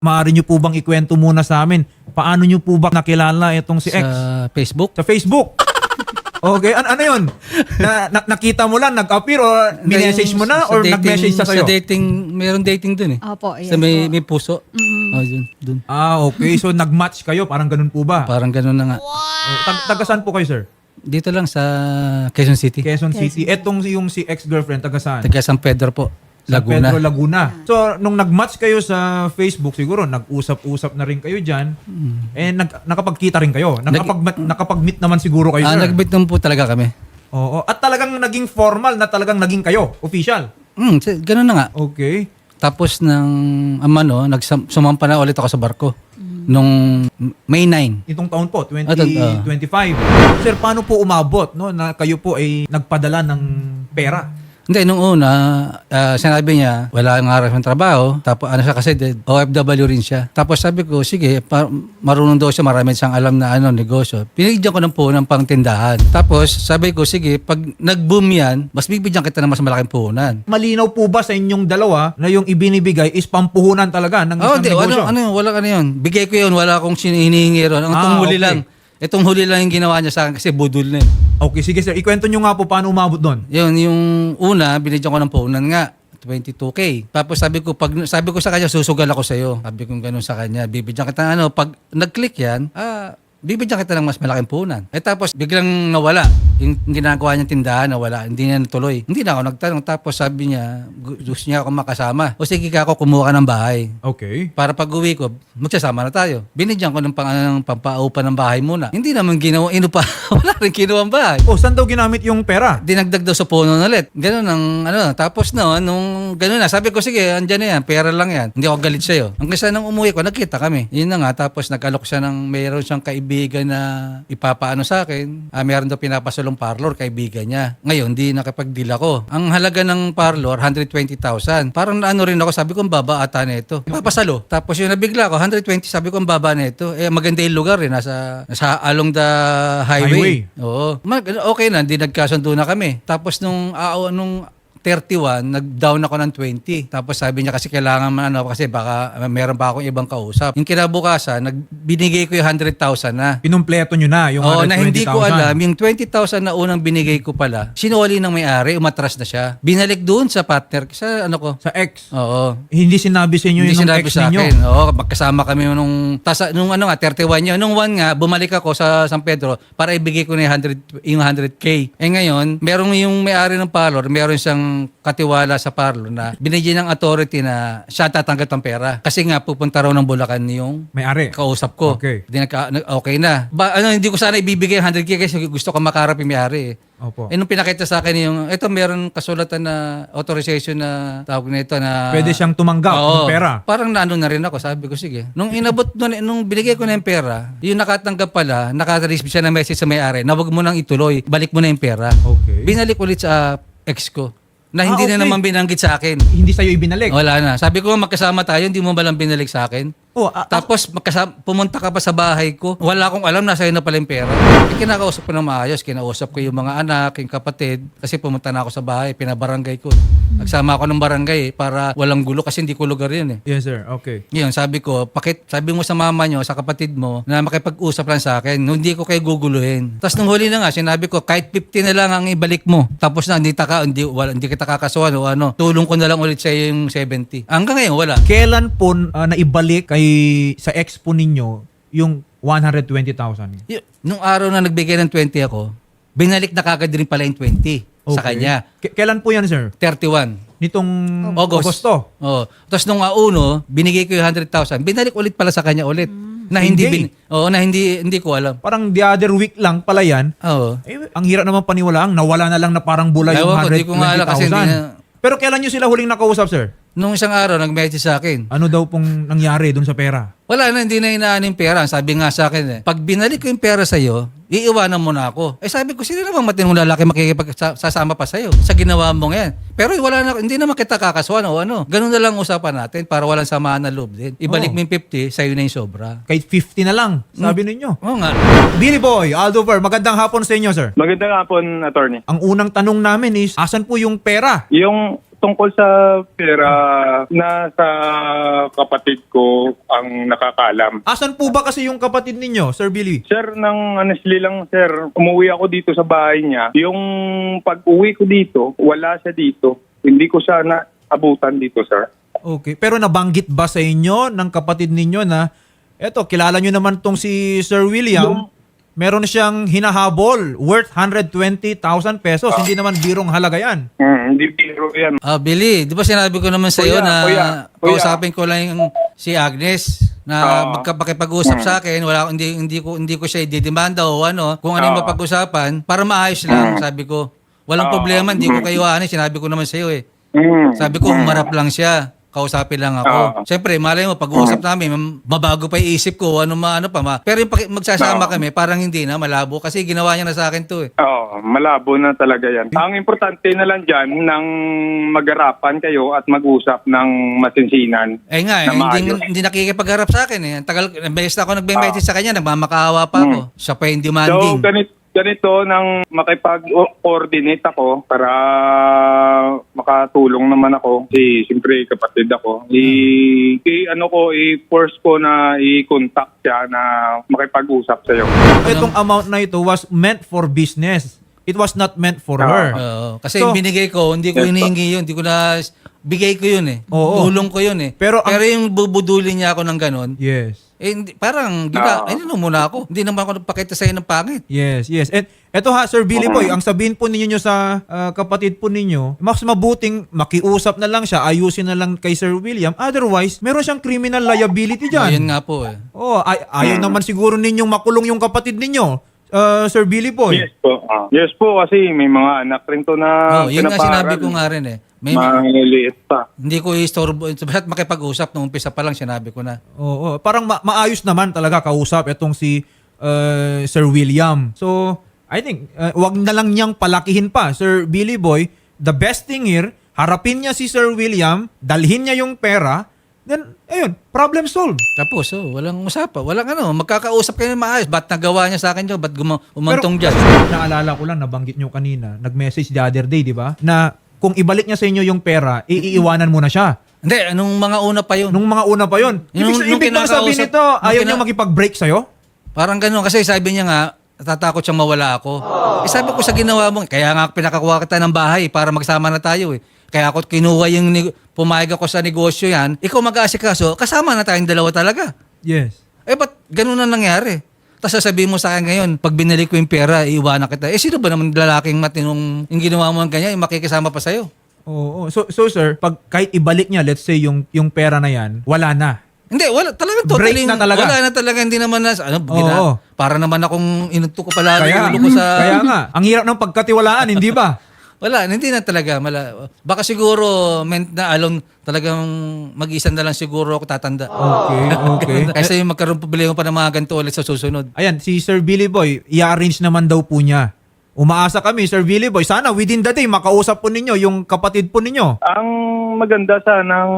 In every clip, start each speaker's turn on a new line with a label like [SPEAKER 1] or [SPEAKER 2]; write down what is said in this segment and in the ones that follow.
[SPEAKER 1] Maaari nyo po bang ikwento muna sa amin? Paano nyo po ba nakilala itong si X?
[SPEAKER 2] Sa Facebook.
[SPEAKER 1] Sa Facebook? Okay, ano yun? Nakita mo lang, nag-appear or minessage mo na or nag-message sa sa'yo?
[SPEAKER 2] Sa dating, mayroon dating dun eh.
[SPEAKER 3] Opo, yes
[SPEAKER 2] Sa may
[SPEAKER 3] po.
[SPEAKER 2] puso. Oh, dun.
[SPEAKER 1] Okay. So nag-match kayo, parang ganun po ba?
[SPEAKER 2] Parang ganun na nga.
[SPEAKER 1] Taga saan po kayo, sir?
[SPEAKER 2] Dito lang sa Quezon City.
[SPEAKER 1] Quezon City. Etong yung si ex-girlfriend, taga saan?
[SPEAKER 2] Taga San Pedro po.
[SPEAKER 1] San
[SPEAKER 2] Laguna.
[SPEAKER 1] Pedro, Laguna. So, nung nag-match kayo sa Facebook, siguro nag-usap-usap na rin kayo dyan. Nakapagkita rin kayo. Nakapag-meet naman siguro kayo, sir.
[SPEAKER 2] Nag-meet naman po talaga kami.
[SPEAKER 1] Oo. At talagang naging formal na talagang naging kayo. Official.
[SPEAKER 2] Ganun na nga.
[SPEAKER 1] Okay.
[SPEAKER 2] Tapos sumampa na ulit ako sa barko. Nung May 9.
[SPEAKER 1] Itong taon po, 2025. Sir, paano po umabot no, na kayo po ay nagpadala ng pera?
[SPEAKER 2] Hindi, nung una, sinabi niya, wala nga rin ng trabaho. Tapos ano siya kasi, OFW rin siya. Tapos sabi ko, sige, marunong daw siya, marami siyang alam na negosyo. Pinigyan ko ng puhunan pang tindahan. Tapos sabi ko, sige, pag nag-boom yan, mas bibigyan kita ng mas malaking puhunan.
[SPEAKER 1] Malinaw po ba sa inyong dalawa na yung ibinibigay is pampuhunan talaga ng isang negosyo?
[SPEAKER 2] Wala yun. Bigay ko yun, wala akong hinihingi ron. Ang huli
[SPEAKER 1] okay.
[SPEAKER 2] lang. Itong huli lang yung ginawa niya sa akin kasi budol na yun.
[SPEAKER 1] Okay, sige sir. Ikwento nyo nga po paano umabot doon.
[SPEAKER 2] Yun, yung una, binigyan ko ng puhunan nga. 22K. Tapos sabi ko sa kanya, susugal ako sa iyo. Sabi ko gano'n sa kanya, bibigyan kita pag nag-click yan, bibigyan kita ng mas malaking puhunan. Tapos biglang nawala. Yung ginagawa niyang tindahan, nawala. Hindi niya natuloy. Hindi na ako nagtanong. Tapos sabi niya, gusto niya ako makasama. O sige ka ako, kumuha ka ng bahay.
[SPEAKER 1] Okay.
[SPEAKER 2] Para pag uwi ko, magsasama na tayo. Binigyan ko ng pampaupa ng bahay muna. Hindi naman ginawa, wala rin ginawa ang bahay.
[SPEAKER 1] Saan daw ginamit yung pera?
[SPEAKER 2] Dinagdag daw sa puno ulit. Ganun ang tapos nung ganun na, sabi ko sige, andyan na yan, pera lang yan. Hindi ako galit sa'yo. Ang kasi nang umuwi ko, nagkita kami. Yun na nga, tapos nag-alok siya mayroon siyang kaibigan na ipapaano sa akin. Meron daw pinapasulong parlor, kaibigan niya. Ngayon, di nakapag-deal ako. Ang halaga ng parlor, 120,000. Parang rin ako, sabi ko, ang baba ata na ito. Papasalo. Tapos yung nabigla ko, 120, sabi ko, ang baba na ito. Maganda yung lugar nasa along the highway. Oo. Okay na, di nagkasundo na kami. Tapos nung 31, nag-down ako ng 20. Tapos sabi niya kasi kailangan kasi baka meron pa akong ibang kausap. Yung kinabukasan, binigay ko yung 100,000 na.
[SPEAKER 1] Pinumpleto nyo na yung 120,000.
[SPEAKER 2] Na hindi ko alam, yung 20,000 na unang binigay ko pala, sinuli ng may-ari, umatras na siya. Binalik doon sa partner, sa
[SPEAKER 1] Sa ex?
[SPEAKER 2] Oo.
[SPEAKER 1] Hindi sinabi sa inyo
[SPEAKER 2] Hindi
[SPEAKER 1] yung
[SPEAKER 2] sinabi
[SPEAKER 1] ex
[SPEAKER 2] sa
[SPEAKER 1] ninyo?
[SPEAKER 2] akin. Oo, magkasama kami nung 31 yun. Nung 1 nga, bumalik ako sa San Pedro para ibigay ko na yung 100K. Ngayon, merong yung may-ari ng parlor, meron siyang katiwala sa parlor na binigyan ng authority na siya tatanggap ng pera. Kasi nga, pupunta raw ng Bulacan yung
[SPEAKER 1] May-ari?
[SPEAKER 2] kausap ko.
[SPEAKER 1] Okay.
[SPEAKER 2] Okay na. Hindi ko sana ibibigay 100K kasi gusto ko makarap yung may-ari.
[SPEAKER 1] Opo.
[SPEAKER 2] Nung pinakita sa akin meron kasulatan na authorization na tawag na ito na
[SPEAKER 1] Pwede siyang tumanggap ng pera?
[SPEAKER 2] Parang na rin ako. Sabi ko, sige. Nung nung binigay ko na yung pera, yung nakatanggap pala, naka-receive siya ng message sa may-ari na wag mo nang ituloy, balik mo na yung pera.
[SPEAKER 1] Okay.
[SPEAKER 2] Binalik ulit sa ex ko. Na hindi
[SPEAKER 1] okay.
[SPEAKER 2] na naman binanggit sa akin.
[SPEAKER 1] Hindi sa'yo ibinalik?
[SPEAKER 2] Wala na. Sabi ko, magkasama tayo, hindi mo ba lang binalik sa akin? Tapos pumunta ka pa sa bahay ko. Wala akong alam, nasa iyo na pala yung pera. Kinakausap ko na maayos. Kinausap ko yung mga anak, yung kapatid. Kasi pumunta na ako sa bahay, pinabarangay ko. Nagsama ako ng barangay para walang gulo kasi hindi ko lugar yun eh.
[SPEAKER 1] Yes sir, okay.
[SPEAKER 2] Yun, sabi ko, sabi mo sa mama nyo, sa kapatid mo, na makipag-usap lang sa akin. Hindi ko kayo guguluhin. Tapos nung huli na nga, sinabi ko, kahit 50 na lang ang ibalik mo. Tapos na, hindi kita kakasuhan o tulong ko na lang ulit sa yung 70. Hanggang ngayon, wala.
[SPEAKER 1] Kailan po naibalik sa ex po ninyo yung 120,000?
[SPEAKER 2] Nung araw na nagbigay ng 20 ako, binalik na kagad rin pala yung 20 sa kanya.
[SPEAKER 1] Kailan po yan, sir?
[SPEAKER 2] 31.
[SPEAKER 1] Nitong
[SPEAKER 2] Agosto. Oo. Tapos nung uno, binigay ko yung 100,000. Binalik ulit pala sa kanya ulit. Na hindi hindi ko alam.
[SPEAKER 1] Parang the other week lang pala yan.
[SPEAKER 2] Oo.
[SPEAKER 1] Ang hirap naman paniwalaan, nawala na lang na parang bula yung 120,000. Pero kailan nyo sila huling nakausap, sir?
[SPEAKER 2] Nung isang araw, nag-message sa akin.
[SPEAKER 1] Ano daw pong nangyari dun sa pera?
[SPEAKER 2] Wala na, hindi na inaan yung pera. Sabi nga sa akin pag binalik ko yung pera sa'yo, iiwanan mo na ako. Sabi ko, sino namang matinong lalaki makikipagsasama pa sa'yo sa ginawa mo ngayon? Pero hindi naman kita kakasuhan o Ganun na lang usapan natin para walang samaan na loob din. Ibalik mo yung 50, sa'yo na yung sobra.
[SPEAKER 1] Kahit 50 na lang, sabi ninyo.
[SPEAKER 2] Oo nga.
[SPEAKER 1] Billy Boy, Aldover, magandang hapon sa inyo, sir.
[SPEAKER 4] Magandang hapon, attorney.
[SPEAKER 1] Ang unang tanong namin is, asan po yung pera?
[SPEAKER 4] Yung
[SPEAKER 3] tungkol sa pera, nasa kapatid ko ang nakakalam.
[SPEAKER 1] Asan po ba kasi yung kapatid ninyo, Sir Billy?
[SPEAKER 3] Sir, nang honestly lang, sir, umuwi ako dito sa bahay niya. Yung pag-uwi ko dito, wala siya dito. Hindi ko siya naabutan dito, sir.
[SPEAKER 1] Okay. Pero nabanggit ba sa inyo ng kapatid ninyo na, eto, kilala nyo naman tong si Sir William, meron siyang hinahabol worth 120,000 pesos. Hindi naman birong halaga yan.
[SPEAKER 3] Hindi biro yan.
[SPEAKER 2] Billy, di ba sinabi ko naman sa iyo
[SPEAKER 3] Kuya,
[SPEAKER 2] na
[SPEAKER 3] kuya.
[SPEAKER 2] kausapin ko lang yung si Agnes na
[SPEAKER 3] Oo.
[SPEAKER 2] magkapag-usap sa akin, hindi ko siya ididemanda o ano, kung ano yung
[SPEAKER 3] Oo.
[SPEAKER 2] mapag-usapan para maayos lang, sabi ko. Walang problema, hindi ko kayo sinabi ko naman sa iyo eh. Sabi ko, umarap lang siya. Kausapin lang ako. Siyempre, malay mo, pag-uusap namin, mabago pa yung isip ko, ano pa. Pero yung magsasama kami, parang hindi na, malabo. Kasi ginawa niya na sa akin to eh.
[SPEAKER 3] Oo, malabo na talaga yan. Ang importante na lang dyan, nang mag-arapan kayo at mag-usap ng masinsinan.
[SPEAKER 2] Eh nga,
[SPEAKER 3] Na maayos.
[SPEAKER 2] hindi nakikipagharap sa akin eh. Ang tagal, best ako nagbe-message sa kanya, nagmamakaawa pa ako. Siya pa yung
[SPEAKER 3] So,
[SPEAKER 2] demanding.
[SPEAKER 3] ganito nang makipag-coordinate ako para makatulong naman ako. Siyempre, kapatid ako. I-force ko na i-contact siya na makipag-usap sa'yo.
[SPEAKER 1] Itong amount na ito was meant for business. It was not meant for her.
[SPEAKER 2] Oo. Kasi
[SPEAKER 1] So,
[SPEAKER 2] binigay ko, hindi ko hinihingi yun. Hindi ko na, bigay ko yun eh.
[SPEAKER 1] Oo.
[SPEAKER 2] Tulong ko yun eh.
[SPEAKER 1] Pero
[SPEAKER 2] yung bubudulin niya ako ng ganon,
[SPEAKER 1] Yes.
[SPEAKER 2] parang, ayun muna ako. Hindi naman ako nagpakita sa'yo ng pangit.
[SPEAKER 1] Yes, yes. And eto ha, Sir Billy Boy, ang sabihin po ninyo sa kapatid po ninyo, mas mabuting makiusap na lang siya, ayusin na lang kay Sir William. Otherwise, meron siyang criminal liability dyan.
[SPEAKER 2] Ayun nga po eh.
[SPEAKER 1] Oh, ayaw naman siguro ninyong makulong yung kapatid ninyo, Sir Billy Boy.
[SPEAKER 3] Yes po. Yes po, kasi may mga anak rin to na
[SPEAKER 2] Yun nga
[SPEAKER 3] pinaparal.
[SPEAKER 2] sinabi ko nga rin eh.
[SPEAKER 3] Maliliit pa.
[SPEAKER 2] Hindi ko istorbo. Basta't makipag-usap nung umpisa pa lang sinabi ko na.
[SPEAKER 1] Oo, parang maayos naman talaga kausap itong si Sir William. So, I think, wag na lang niyang palakihin pa, Sir Billy Boy. The best thing here, harapin niya si Sir William, dalhin niya yung pera, then, ayun, problem solved.
[SPEAKER 2] Tapos, walang usapan. Walang magkakausap kayo ng maayos. Ba't nagawa niya sa akin yun? Ba't umantong dyan?
[SPEAKER 1] Naalala ko lang, nabanggit niyo kanina, nag-message the other day, di ba? Na kung ibalik niya sa inyo yung pera, iiwanan mo na siya.
[SPEAKER 2] Hindi, nung mga una pa yun.
[SPEAKER 1] Nung mga una pa yun. Ibig bang sabihin nito, ayaw niya makipag-break sa'yo?
[SPEAKER 2] Parang gano'n. Kasi sabi niya nga, natatakot siyang mawala ako. Sabi ko sa ginawa mo, kaya nga pinakakuha kita ng bahay para magsama na tayo eh. Kaya ako kinuha pumayag ako sa negosyo yan, ikaw mag-aasikaso, kasama na tayong dalawa talaga.
[SPEAKER 1] Yes.
[SPEAKER 2] Ba't gano'n na nangyari? Tapos sasabihin mo sa akin ngayon, pag binalik ko yung pera, iiwanan kita. Sino ba naman lalaking matinong yung ginawa mo ng ganyan, yung makikisama pa sa'yo?
[SPEAKER 1] Oo. So sir, pag kahit ibalik niya, let's say yung pera na yan, wala na.
[SPEAKER 2] Hindi, wala. Talagang
[SPEAKER 1] Break
[SPEAKER 2] totally.
[SPEAKER 1] na talaga.
[SPEAKER 2] Wala na talaga. Hindi naman na,
[SPEAKER 1] Oo.
[SPEAKER 2] para naman akong inuto ko pala. Kaya
[SPEAKER 1] nga, ang hirap ng pagkatiwalaan, hindi ba?
[SPEAKER 2] Wala, hindi na talaga. Baka siguro, meant na alone, talagang mag-isa na lang siguro ako tatanda.
[SPEAKER 1] Okay.
[SPEAKER 2] Kasi magkaroon problema pa ng mga ganito ulit sa susunod.
[SPEAKER 1] Ayan, si Sir Billy Boy, i-arrange naman daw po niya. Umaasa kami, Sir Billy Boy, sana within the day, makausap po ninyo yung kapatid po ninyo.
[SPEAKER 3] Ang maganda sanang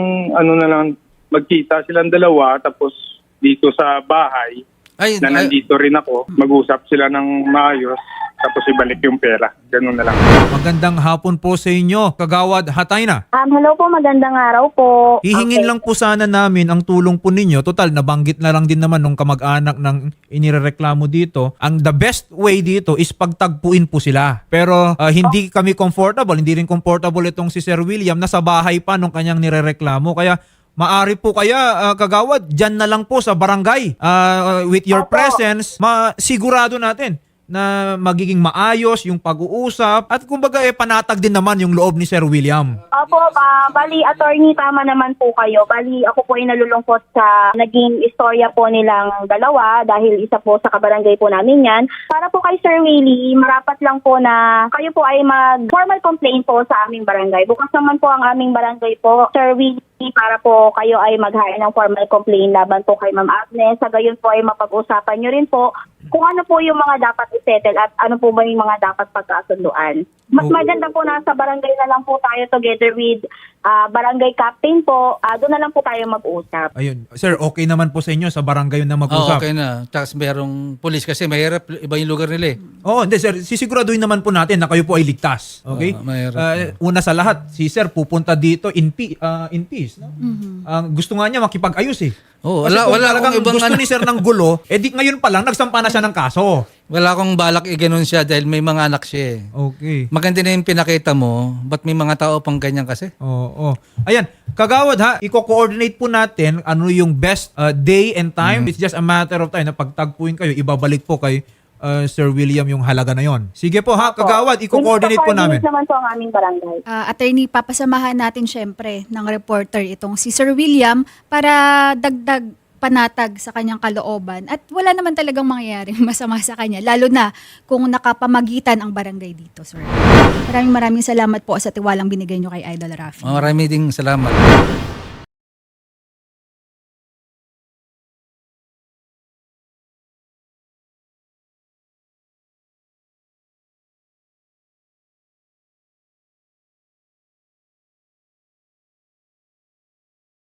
[SPEAKER 3] na lang, magkita silang dalawa tapos dito sa bahay na nandito rin ako, mag-usap sila ng maayos tapos ibalik yung pera. Ganun na lang.
[SPEAKER 1] Magandang hapon po sa inyo, Kagawad Hatayna.
[SPEAKER 4] Hello po, magandang araw po.
[SPEAKER 1] Hihingin lang po sana namin ang tulong po ninyo. Total, nabanggit na lang din naman nung kamag-anak ng inireklamo dito. Ang the best way dito is pagtagpuin po sila. Pero hindi kami comfortable, hindi rin comfortable itong si Sir William na sa bahay pa nung kanyang nirereklamo. Kaya maari po kaya, Kagawad, dyan na lang po sa barangay. With your presence, masigurado natin na magiging maayos yung pag-uusap at kumbaga panatag din naman yung loob ni Sir William.
[SPEAKER 4] Opo, bali attorney, tama naman po kayo. Bali ako po ay nalulungkot sa naging istorya po nilang dalawa dahil isa po sa kabarangay po namin yan. Para po kay Sir Willie, marapat lang po na kayo po ay mag-formal complaint po sa aming barangay. Bukas naman po ang aming barangay po, Sir Willie, para po kayo ay mag-hire ng formal complaint laban po kay Ma'am Agnes. Sa gayon po ay mapag-usapan nyo rin po kung ano po yung mga dapat i-settle at ano po ba yung mga dapat pagkasunduan. Mas maganda po nasa barangay na lang po tayo together with barangay captain po, doon na lang po tayo mag-usap.
[SPEAKER 1] Ayun. Sir, okay naman po sa inyo sa barangay na
[SPEAKER 2] Oo,
[SPEAKER 1] mag-usap?
[SPEAKER 2] okay na. Tapos merong pulis kasi mahirap, iba yung lugar nila eh.
[SPEAKER 1] Oo, hindi sir. Sisiguraduhin naman po natin na kayo po ay ligtas. Okay?
[SPEAKER 2] mahirap.
[SPEAKER 1] Una sa lahat, si sir pupunta dito in peace. No? Gusto nga niya makipag-ayos eh.
[SPEAKER 2] Oo,
[SPEAKER 1] Kasi kung
[SPEAKER 2] wala
[SPEAKER 1] talagang
[SPEAKER 2] akong ibang
[SPEAKER 1] gusto
[SPEAKER 2] ano.
[SPEAKER 1] ni sir ng gulo, di ngayon pa lang nagsampa na siya ng kaso.
[SPEAKER 2] Wala akong balak i-ganon siya dahil may mga anak siya eh.
[SPEAKER 1] Okay.
[SPEAKER 2] Maganda na yung pinakita mo, ba't may mga tao pang ganyan kasi?
[SPEAKER 1] Oo. Ayan, kagawad ha, i-coordinate po natin ano yung best day and time. It's just a matter of time na pagtagpuin kayo, ibabalik po kay Sir William yung halaga na yon. Sige po ha, kagawad, i-coordinate po namin.
[SPEAKER 4] naman po ang aming barangay.
[SPEAKER 5] Attorney, papasamahan natin syempre ng reporter itong si Sir William para dagdag panatag sa kanyang kalooban at wala naman talagang mangyayaring masama sa kanya, lalo na kung nakapamagitan ang barangay dito, sir. Maraming salamat po sa tiwalang binigay nyo kay Idol Rafi.
[SPEAKER 2] Marami ding salamat.